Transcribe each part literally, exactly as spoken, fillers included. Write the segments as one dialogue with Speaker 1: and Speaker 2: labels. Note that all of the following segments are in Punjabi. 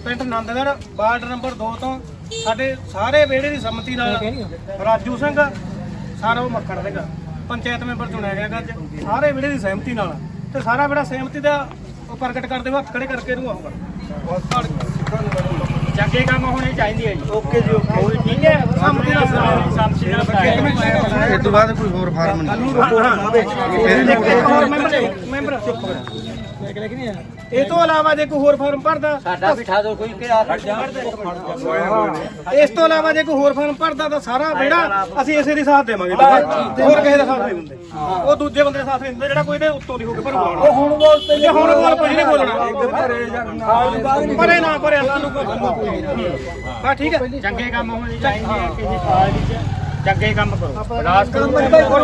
Speaker 1: ਪਿੰਡ ਨੰਦਗੜ੍ਹ ਵਾਰਡ ਨੰਬਰ ਦੋ ਤੋਂ ਸਾਡੇ ਸਾਰੇ ਵਿਹੜੇ ਦੀ ਸੰਮਤੀ ਨਾਲ ਰਾਜੂ ਸਿੰਘ ਸਾਰਾ ਉਹ ਮੱਖਣ ਸਿੰਘ ਪੰਚਾਇਤ ਮੈਂਬਰ ਚੁਣਿਆ ਗਿਆ ਅੱਜ ਸਾਰੇ ਵਿਹੜੇ ਦੀ ਸਹਿਮਤੀ ਨਾਲ ਤੇ ਸਾਰਾ ਵਿਹੜਾ ਸਹਿਮਤੀ ਦਾ ਉਹ ਪ੍ਰਗਟ ਕਰਦੇ ਹੋਏ ਹੱਥ ਖੜੇ ਕਰਕੇ ਇਹਨੂੰ ਆਊਗਾ ਚੰਗੇ ਕੰਮ ਹੋਣੇ ਚਾਹੀਦੇ ਆ ਜੀ ਓਕੇ ਜੀ ਓਕੇ ਠੀਕ ਹੈ ਸੰਮਤੀ ਨਾਲ ਸੰਮਤੀ ਨਾਲ
Speaker 2: ਇਸ ਤੋਂ ਬਾਅਦ ਕੋਈ ਹੋਰ ਫਾਰਮ ਨਹੀਂ
Speaker 1: ਮੈਂਬਰ ਚੁੱਪ ਇਹ ਤੋਂ ਇਲਾਵਾ ਜੇ ਕੋਈ ਹੋਰ ਫਾਰਮ ਭਰਦਾ
Speaker 3: ਸਾਡਾ ਬਿਠਾ ਦਿਓ ਕੋਈ ਕਿ ਆ ਖੜ ਜਾ
Speaker 1: ਇਸ ਤੋਂ ਇਲਾਵਾ ਜੇ ਕੋਈ ਹੋਰ ਫਾਰਮ ਭਰਦਾ ਤਾਂ ਸਾਰਾ ਵਿਹੜਾ ਅਸੀਂ ਇਸੇ ਦੇ ਸਾਥ ਦੇਵਾਂਗੇ ਹੋਰ ਕਿਸੇ ਦਾ ਸਾਥ ਨਹੀਂ ਦਿੰਦੇ ਉਹ ਦੂਜੇ ਬੰਦੇ ਦਾ ਸਾਥ ਨਹੀਂ ਦਿੰਦੇ ਜਿਹੜਾ ਕੋਈ ਇਹਦੇ ਉੱਤੋਂ ਦੀ ਹੋ ਕੇ ਭਰੂਗਾ ਉਹ ਹੁਣ ਬੋਲ ਤੇ ਹੁਣ ਬੋਲ ਕੁਝ ਨਹੀਂ ਬੋਲਣਾ ਪਰੇ ਨਾ ਪਰੇ ਸਾਨੂੰ ਹਾਂ ਠੀਕ ਹੈ ਚੰਗੇ ਕੰਮ ਹੋਣੇ ਚਾਹੀਦੇ ਆ ਕਿਸੇ ਕਾਲਜ ਵਿੱਚ ਚੰਗੇ ਕੰਮ ਕਰੋ ਰਾਜ ਕਰੋ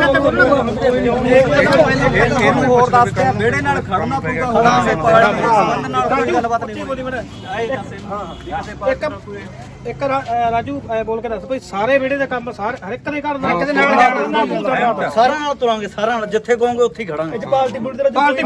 Speaker 3: ਇਹਨੂੰ ਹੋਰ ਦੱਸ ਕੇ ਵਿਹੜੇ ਨਾਲ ਖੜਨਾ ਪਊਗਾ ਹੋਰ ਕਿਸੇ ਪਾਰਟੀ ਨਾਲ ਕੋਈ ਗੱਲਬਾਤ ਨਹੀਂ
Speaker 1: ਇੱਕ ਇੱਕ ਰਾਜੂ ਬੋਲ ਕੇ ਦੱਸ ਭਾਈ ਸਾਰੇ ਵਿਹੜੇ ਦਾ ਕੰਮ ਸਾਰੇ ਹਰ ਇੱਕ ਦੇ ਘਰ ਦਾ ਇੱਕ ਦੇ ਨਾਲ
Speaker 3: ਸਾਰਿਆਂ ਨਾਲ ਤੁਰਾਂਗੇ ਸਾਰਿਆਂ ਨਾਲ ਜਿੱਥੇ ਕਹੋਗੇ ਉੱਥੇ ਹੀ ਖੜਾਂਗੇ
Speaker 1: ਪਾਰਟੀ ਬੁਲਟ ਦੇ ਪਾਰਟੀ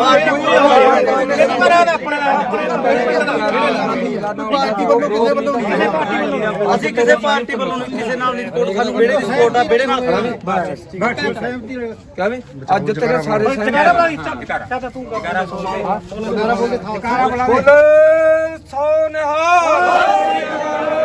Speaker 3: ਅਸੀਂ ਕਿਸੇ ਪਾਰਟੀ ਵੱਲੋਂ ਨਹੀਂ ਕਿਸੇ ਨਾਲ ਨਹੀਂ ਸਪੋਰਟ ਸਾਨੂੰ ਵਿਹੜੇ ਦੀ ਸਪੋਰਟ ਆ ਵਿਹੜੇ ਨਾਲ ਖੜਾਂਗੇ
Speaker 2: ਕਹਿੰਦੇ ਅੱਜ ਤੱਕ ਸਾਰੇ
Speaker 1: ਚਾਚਾ ਤੂੰ ਗਿਆਰਾਂ ਸੌ ਬੋਲੇ ਸੋ ਨਿਹਾਲ